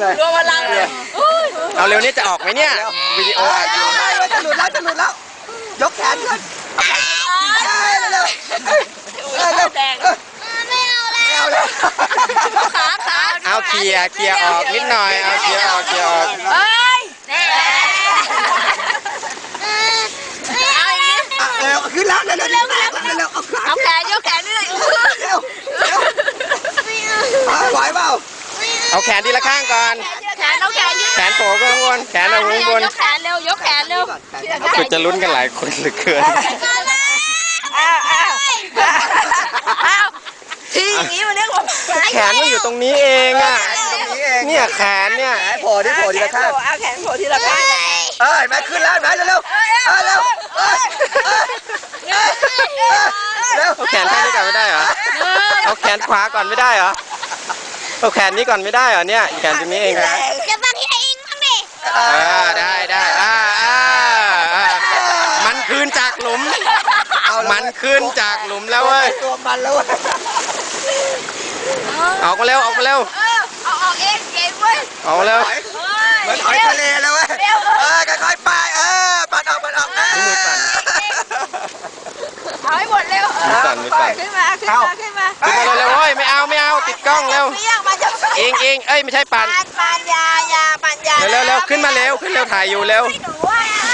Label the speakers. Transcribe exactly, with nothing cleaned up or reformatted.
Speaker 1: หน่อย
Speaker 2: รวมพลังเลย
Speaker 3: เอาเร็วนี่จะออกไหมเนี่ยวิดีโออัดอยู่
Speaker 1: จะหลุดแล้วจะหลุดแล้วยกแขนขึ้นเร็วเร็วเร็ว
Speaker 2: แดง
Speaker 4: ไม่เอาแล้ว
Speaker 1: เอาเลย
Speaker 2: ขาขา
Speaker 3: เอาเคลียร์เคลียร์ออกนิดหน่อยเอาเคลียร์ออกเคลียร์ออก
Speaker 2: เฮ้ยเอาอย่างนี้
Speaker 1: เร็วขึ้นแล้วเร็วเร็วเร็วเร็วเอาขา
Speaker 2: เอาแขนยกแขนนี่เลย
Speaker 1: เร็วเร็วไหวเปล่า
Speaker 3: เอาแขนทีละข้างก่อน
Speaker 2: แขนเอาแขนยืด
Speaker 3: แขนโผล่ข้างบนแขนเอาข้างบน
Speaker 2: ยกแขนเร็วยกแขนเร็ว
Speaker 3: ก็จะลุ้นกันหลายคนเหลือเกิน
Speaker 2: อ้าวอ้าวอ้าวทีอย่างนี้มันเรียกว่า
Speaker 3: แขนมันอยู่ตรงนี้เองอ่ะ
Speaker 1: ตรงนี้เอง
Speaker 3: เนี่ยแขนเนี่ย
Speaker 1: แขนโผล่ที่โผล่ทีละข้าง
Speaker 2: เอาแขนโผล่ทีละข้าง
Speaker 1: เอ้ยมาขึ้นแล้วมาเร็วเร็วเร็วเร็ว
Speaker 3: เอาแขนข้างนี้ก่อนไม่ได้เหรอเอาแขนขวาก่อนไม่ได้เหรอเอาแขนนี้ก่อนไม่ได้เหรอเนี่ยแขนตรงนี้เองนะ
Speaker 4: จะบังให้อิงบ้างดิ
Speaker 3: อ่าได้ได้อ่าอ่าอ่ามันคืนจากหลุม มันขึ้นจากหลุมแล้วเว้ย
Speaker 1: ตัวมันแล้วเว้ย
Speaker 3: ออกมาเร็วออกมาเร็ว
Speaker 2: เออเอาออกเองเก่งเว้ย
Speaker 3: ออกมาเร็ว
Speaker 1: เหมือนหอยทะเลเลยเว้ยเออค่อยๆไปเออปัดออกปัดออก
Speaker 3: มือสั่น
Speaker 2: เอาให้หมดเร็ว
Speaker 3: มือสั่นมือสั่น
Speaker 2: ขึ้นมาขึ้นมาขึ้นมา
Speaker 3: ขึ้นมาเร็วๆเว้ยไม่เอาไม่เอาติดกล้องเร็ว
Speaker 2: เปี้ยงมาจะ
Speaker 3: เองเองเอ้ยไม่ใช่ปัน
Speaker 2: ปานปานยายาปานยา
Speaker 3: เร็วเร็วเร็วขึ้นมาเร็วขึ้นเร็วถ่ายอยู่เร็ว
Speaker 2: ให้หนูว่า